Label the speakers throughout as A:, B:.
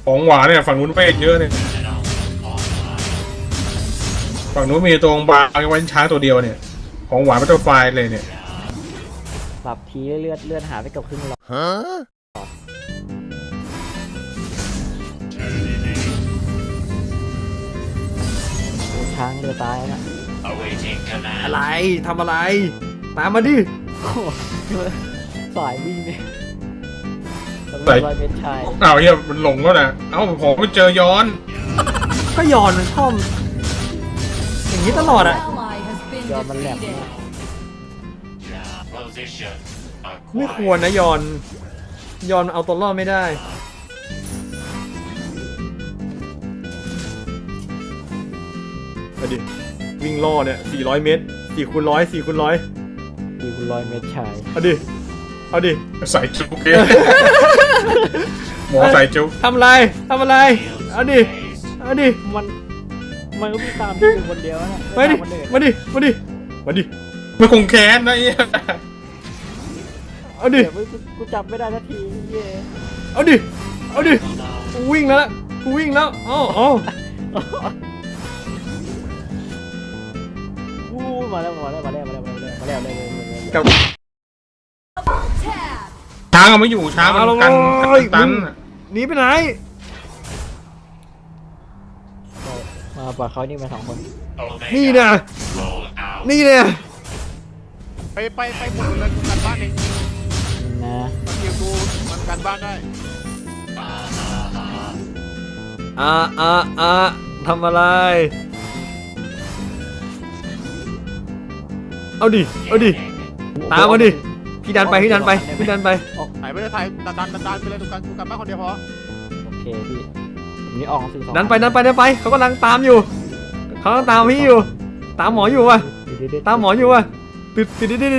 A: ของหวานเนี่ยฝั่งนู้นเวทเยอะเนี่ยฝั่งนู้นมีตัวบางไว้ช้างตัวเดียวเนี่ยของหวานเป็นตัวไฟเลยเนี่ย
B: ปรับทีเลือดหาไปกับครึ่งหลอดช้างเรือตายนะ
C: อะไรทำอะไรตามมาดิ
B: สายวิ่งเนี่ย
A: ใส่อ้าวเฮียมันหลงแล้วนะเอ้าผมไม่เจอย้อน
C: ก็ย้อนมันชอบอย่างนี้ตลอดอะ
B: ย้อนมันแหลม
C: ไม่ควรนะย้อนเอาตัวรอดไม่ได้มาดิวิ่งล่อเนี่ย400 เมตร4 คูณ 100 4 คูณ 100
B: 4 คูณ 100 เมตรชาย
C: เอาดิ
A: ใส่จุกเกหมอใส่จุก
C: ทำอะไรเอาดิ
B: มันก็มีตามที่อยู่คนเดียวนะ
C: มาดิ
A: มันคงแค้นนะเฮีย
C: เอาดิ
B: กูจับไม่ได้ทันทีเย่
C: เอาดิกูวิ่งแล้วอ๋อ
B: มาแล้ว
C: กับ
A: ช้างไม่อยู่ช้างมันกันตัน
C: หนีไปไหน
B: มาปะเขานี่มา2 คน
C: นี่นะ
D: ไปหมดเลยกันบ้านเอง
B: นะ
D: มันคิวกูมันกันบ้านได้
C: ทำอะไรเอาดิตามมาดิพี่ดันไป
D: หายไปเลยถ่ายดันไปเลยทุกการกูกลับบ้านคนเดียวพอ
B: โอเคพี่นี่ออกสื่อ
C: ดันไปเขากำลังตามอยู่เขากำลังตามพี่อยู่ตามหมออยู่ว่ะติด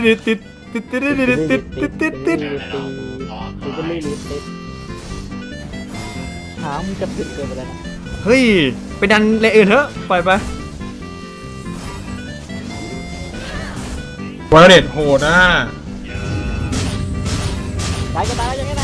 B: ช้างมึงจะติดเกินไปแล้วนะ
C: เฮ้ยไปดันเลอื่นเถอะปล่อยไป
A: วอลเล็ตโหดนะ
B: ตายก็ตายยังไง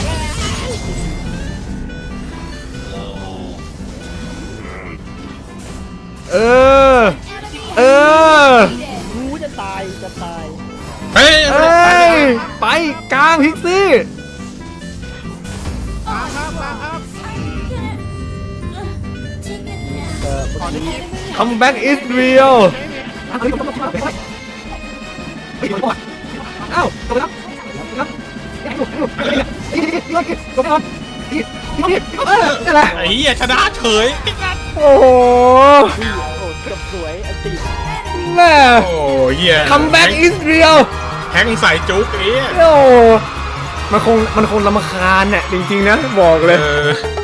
B: กูจะตาย
A: เฮ้ย
C: ไปกลางพิกซี่Comeback is real อ้าวจบแล้ว
A: ไอ้เหี้ยชนะเฉย
C: โอ้โห
B: เกือบสวยอันตี
C: แม่
A: โอ้เหี้ย
C: Comeback is real
A: แทงใส่จุกเอ้ย
C: โอ้มันคงรำคาญเนี่ยจริงๆนะบอกเลย